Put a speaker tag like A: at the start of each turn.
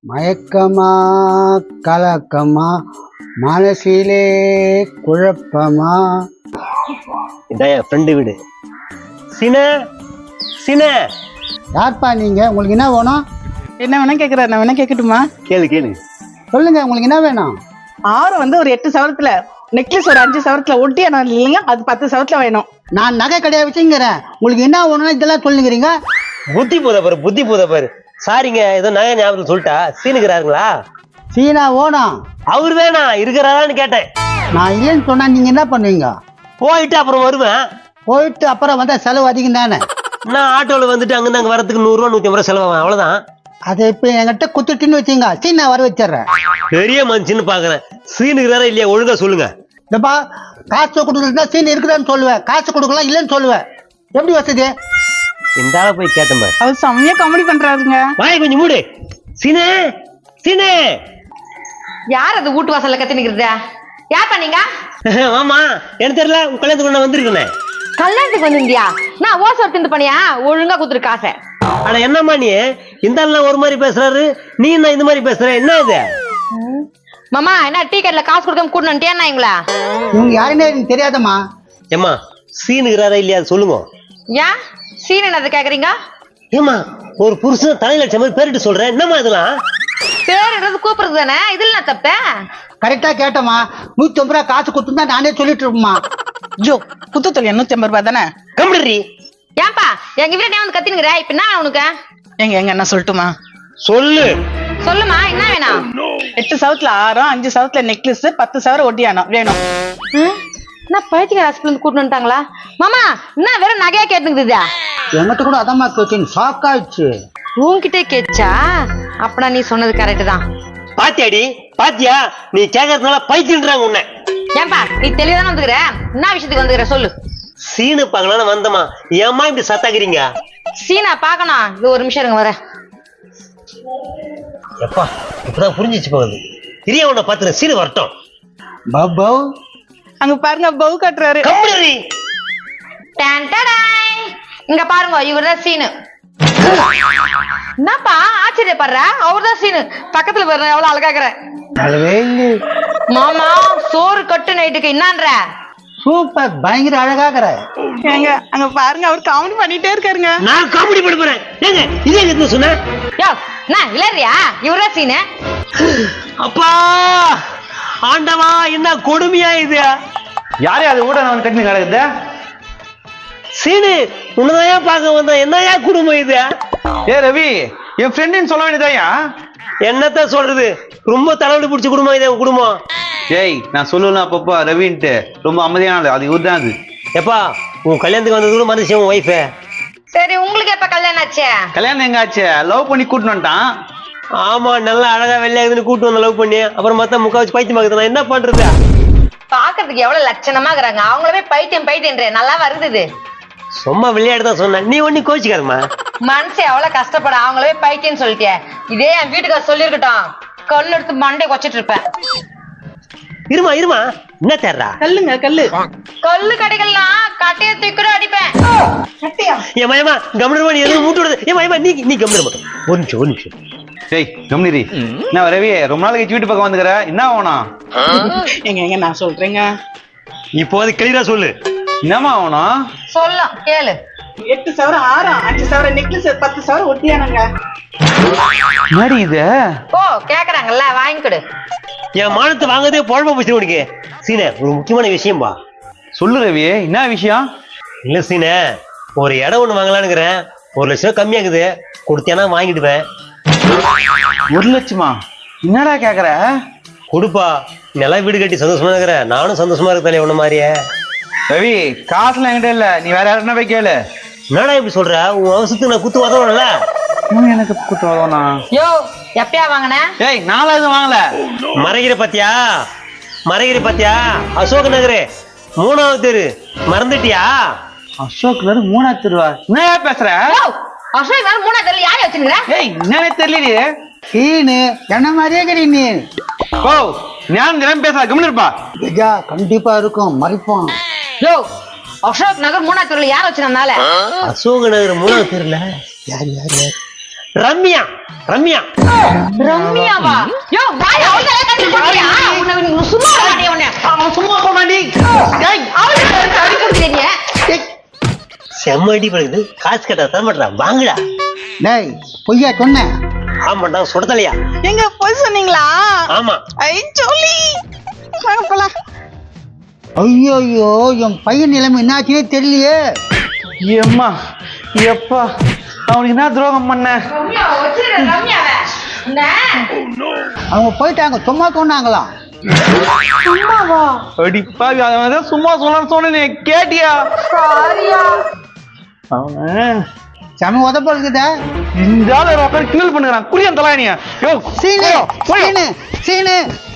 A: மயக்கமா கலக்கமா மனசிலே குழப்பமா.
B: இதான் என் ஃப்ரெண்டு வீடு. சின சின
A: யார்ப்பா நீங்க? உங்களுக்கு என்ன வேணும்?
C: என்ன வேணா கேக்குற, நான் வேணா கேட்கட்டுமா?
B: கேளு கேளு.
A: சொல்லுங்க, உங்களுக்கு என்ன வேணும்?
C: ஆரம் ஒரு 8 சவரத்துல நெக்லஸ், ஒரு 5 சவரத்துல ஒட்டி இல்லைங்க, அது 10 சவரத்துல வேணும்.
A: நான் நகை கடையா வச்சுங்கிறேன். உங்களுக்கு என்ன வேணும்னா இதெல்லாம் சொல்லுங்கிறீங்க.
B: புத்தி போத பாரு. சாரிங்க, ஏதோ நகை ஞாபகத்தில் சொல்லிட்டா. சீனுக்கிறாருங்களா?
A: சீனா ஓணும்.
B: அவர் வேணா இருக்கிறாரான்னு கேட்டேன்.
A: நான் இல்லைன்னு சொன்னா நீங்க என்ன பண்ணுவீங்க?
B: போயிட்டு அப்புறம் வருவேன்.
A: போயிட்டு அப்புறம் வந்தா செலவு அதிகம் தானே.
B: நான் ஆட்டோவில் வந்துட்டு அங்கிருந்து அங்கே வரத்துக்கு 100 ரூபா 150 ரூபா செலவாகும், அவ்வளோதான்.
A: அதை இப்ப என்கிட்ட குத்துட்டுன்னு வச்சுங்க, சீனா வர வச்சிடுறேன்.
B: பெரிய மனுஷன்னு பாக்குறேன். சீனுக்கிறாரா இல்லையா ஒழுங்கா சொல்லுங்க.
A: இந்தப்பா, காசு கொடுக்குறதுனா சீன் இருக்குதான்னு சொல்லுவேன், காசு கொடுக்கலாம் இல்லைன்னு சொல்லுவேன். எப்படி வசதி?
B: இந்த ஆளை போய் கேட்டேன் பாரு.
C: அவர் செம்மையா காமெடி பண்றாருங்க.
B: வாய் கொஞ்சம் மூடு. சீனே சீனே.
D: யார் அது வீட்டு வாசல்ல கத்தி நிக்கிறதா? யார் பண்ணீங்க?
B: ஆமா, எனக்கு தெரியல. உன் கல்யாணத்துக்கு நான் வந்திருக்கேன்.
D: கல்யாணத்துக்கு வந்திருந்தியா? நான் ஓசை எடுத்து பண்ணியா? ஒழுங்கா குத்துரு காசை.
B: ஆனா என்னம்மா நீ இந்த ஆள் ஒரு மாதிரி பேசுறாரு, நீ என்ன இந்த மாதிரி பேசுற? என்ன இது?
D: மாமா, என்ன டீ கடையில காசு கொடுக்காம கூட்டணும்ட்டியா எங்களா?
A: இவங்க யாருன்னே எனக்கு தெரியாதம்மா.
B: ஏமா சீனுக்கிறாரா இல்லையா சொல்லுங்க.
D: ஏன் சீன் என்னது கேக்குறீங்க?
B: ஏமா ஒரு புருஷன் தலையில அடிச்ச மாதிரி பேரிட்டு சொல்றேன், என்னம்மா இதெல்லாம்?
D: பேர் எடுத்து கூப்பிடுறது தானே, இதுல நான் தப்ப?
A: கரெக்டா கேட்டமா. 150 ரூபா காசு கொடுத்துருந்தா நானே சொல்லிட்டு இருப்போமா.
C: ஜோ, குத்து தொழில் 150 ரூபாய் தானே?
B: கம்ப்ளீ.
D: ஏன்பா எங்க வீட்டுல வந்து கத்தினுங்கிற? இப்ப என்ன உனக்கு?
C: எங்க என்ன சொல்லட்டுமா?
B: சொல்லு.
D: சொல்லுமா, என்ன வேணும்?
C: 8 சவரத்துல ஆரம், 5 சவரத்துல நெக்லஸ், 10 சவரம் ஒட்டியானம் வேணும்.
D: என்ன பைத்தியக்கார ஹாஸ்பிட்டல் இருந்து கூட்டு வந்துட்டாங்களா? மாமா, என்ன வெறும் நகையா கேட்டுக்குதா?
A: என்கிட்ட கூட அதம்மா கேட்டு ஷாக் ஆயிடுச்சு.
D: உன்கிட்ட கேச்சா? அப்பனா நீ சொன்னது கரெக்ட் தான்.
B: பாத்தியாடி, பாத்தியா? நீ கேக்குறதுனால பைத்தியன்றாங்க உன்னை.
D: ஏன்பா நீ தெளிவான வந்துக்கிற? என்ன விஷயத்துக்கு வந்துக்கிற சொல்லு.
B: சீனு பாக்கலான்னு வந்தமா, ஏம்மா இப்படி சத்தாக்குறீங்க?
D: சீனா பாக்கணும். இது ஒரு நிமிஷம் இருங்க, வரேன்.
B: எப்பா இப்பதான் புரிஞ்சிச்சு போகுது. பெரிய உன்னை பாத்துற சீனு வரட்டும்.
A: பாபா,
C: அங்க பாருங்க, பவு கட்டுறாரு.
B: கம்ப்ளீ.
D: இங்க பாருங்க, இவர்தான் சீனு. என்னப்பா ஆச்சரியப்படுற? அவர்தான் சீனு. பக்கத்துல பாருங்க, எவ்வளவு அழகாக்குற. மாமா, சோறு கட்டு நைட்டுக்கு என்னன்ற?
A: சூப்பர், பயங்கர அழகாகிற.
C: ஏங்க அங்க பாருங்க, அவர் காமெடி பண்ணிட்டே இருக்காருங்க.
B: நான் காமெடி பண்ண போறேன். ஏங்க இதே எதுன்னு சொன்ன?
D: யோ, நான் இல்லறியா? இவர்தான் சீனு.
B: அப்பா ஆண்டவா, என்ன கொடுமையா இது?
E: யாரே அது கூட நான் கட்டினு கிடக்குது?
B: சீனு, உன்னதான் பார்க்க வந்தா. என்னையா குடும்பம் இது?
E: ஏ ரவி, என் ஃப்ரெண்டுன்னு சொல்ல வேண்டியதாயா?
B: என்னத்த சொல்றது, ரொம்ப தலைவலி பிடிச்ச குடும்பம் இது உன் குடும்பம்.
E: ஏய், நான் சொல்லலாம் அப்பப்பா ரவின்ட்டு. ரொம்ப அமைதியான அது இவர் தான். அது
B: எப்பா உன் கல்யாணத்துக்கு வந்தது கூட மனுஷன் உன் ஒய்ஃபு.
D: சரி, உங்களுக்கு எப்ப கல்யாணம் ஆச்சு?
E: கல்யாணம் எங்க ஆச்சு? லவ் பண்ணி கூட்டின்னு வந்துட்டான்.
B: ஆமா, நல்லா அழகா வெள்ளையாகுதுன்னு கூட்டு வந்த லவ் பண்ணி அப்புறம் பார்த்தா முக்கா வச்சு பைத்தியம் பார்க்குது. நான் என்ன பண்றது?
D: பாக்குறதுக்கு எவ்வளவு லட்சணமா இருக்கிறாங்க, அவங்களவே பைத்தியம் பைத்தியன்ற நல்லா வருது.
B: சும்மா விளையாட்டு தான் சொன்னேன், நீ ஒண்ணு கோச்சிக்காதம்மா.
D: மனசு எவ்வளவு கஷ்டப்பட, அவங்களவே பைத்தியம் சொல்லிட்டே. இதே என் வீட்டுக்கார சொல்லிருக்கட்டும், கல் எடுத்து மண்டை கொச்சிட்டு இருப்பேன்.
B: இருமா இருமா, என்ன தேர்றா?
C: கல்லுங்க, கல்லு.
D: கல்லு கடைகள்லாம் கட்டைய தூக்கிற அடிப்பேன்.
C: கட்டியா?
B: என் மயமா கம்னருமா, நீ எதுவும் மூட்டு விடுது. என் மயமா நீ கம்னருமா. ஒரு நிமிஷம்.
E: ஏய் கம்னிரி, என்ன ரவி ரொம்ப நாள் கழிச்சு வீட்டு பக்கம் வந்துக்கிற, என்ன ஆகணும்?
C: எங்க நான் சொல்றேங்க.
B: இப்போது கிளியரா சொல்லு,
E: என்னமா ஆகணும்?
D: சொல்லும் கேளு.
C: 8 சவரம் ஆரம், 5 சவரம் நெக்லஸ், 10 சவரம் ஒட்டியானங்க.
E: மாடி இது
D: ஓ, கேக்குறாங்கல்ல, வாங்கிக்கிடு.
B: என் மானத்தை வாங்கதே பொழப்ப போச்சு உனக்கு. சீனே, ஒரு முக்கியமான விஷயம் பா.
E: சொல்லு ரவி, என்ன விஷயம்?
B: இல்ல சீனே, ஒரு இடம் ஒண்ணு வாங்கலான்னுக்கிறேன். 1 லட்சம் கம்மியாக்குது, கொடுத்தேன்னா வாங்கிடுவேன்.
E: 1 லட்சமா? என்னடா கேக்குற?
B: கொடுப்பா, நல்லா வீடு கட்டி சந்தோஷமா இருக்கிற. நானும் சந்தோஷமா இருக்கேன் உன்ன மாதிரியே.
E: ரவி, காசுலாம் என்கிட்ட இல்ல, நீ வேற யாருன்னா போய் கேளு.
B: என்னடா இப்படி சொல்ற? உன் அவசரத்துக்கு நான் குத்து உதவணும்ல.
E: எனக்கு கூட்டு வரணும்னா?
D: யோ, எப்பயா வாங்கின?
E: ஏய், நானும் எதுவும் வாங்கல.
B: மறைகிற பாத்தியா? அசோக் நகர் 3வது தெரு மறந்துட்டியா?
E: அசோக் நகர் 3வது தெருவா? என்ன பேசுற?
D: அசோக் நகர் 3வது தெருல யாரை வச்சிருக்கிற?
E: ஏய், என்னன்னே தெரியலையே.
A: சீனு என்ன மாதிரியே இருக்கிறீ நீ.
E: ஓ, ஞானம் தினம் பேச கம்னு இருப்பா.
A: கஜா கண்டிப்பா இருக்கும், மறைப்போம்.
D: யோ, அசோக் நகர் 3வது தெருல யாரை வச்சிருந்தால?
B: அசோக் நகர் 3வது தெருல
A: யார்
B: ரம்யா ரம்யா
D: ரம்யாவா யோ வாய் அவளே கட்டி போறியா உன்னை சும்மா வாடி உன்னை
B: அவன் சும்மா போனாண்டி. டேய்,
D: அவளே அடி குடுக்குறீங்க
B: டேய். செம்ம அடி படுது. காசு கேட்டா தர மாட்டான். வாங்கடா.
A: டேய் பொய்யா சொன்னேன்.
B: ஆமாண்டா சுடத்தலையா.
C: எங்க போய் சொன்னீங்களா?
B: ஆமா.
C: ஐ சொல்லி வாங்க போலாம்.
A: ஐயோ என் பையன் நிலைமை என்னாச்சுன்னே தெரியலையே.
E: ஏம்மா எப்பா அவனுக்கு என்ன துரோகம் பண்ண?
D: ரம்யா வச்சிர ரம்யாவே என்ன
A: அவங்க போயிட்டாங்க, சும்மா சொன்னாங்களாம்.
D: சும்மாவா
E: அடி பாவி, அவன் சும்மா சொல்லணும்னு சொன்னேன், கேட்டியா?
D: சாரியா
E: அவன்
A: செம உதப்ப இருக்குதா.
E: இந்த ஆள் உட்காந்து கிண்டல் பண்ணுறான். குடியான் தலானியா? யோ
A: சீனு
E: போய்
A: சீனு சீனு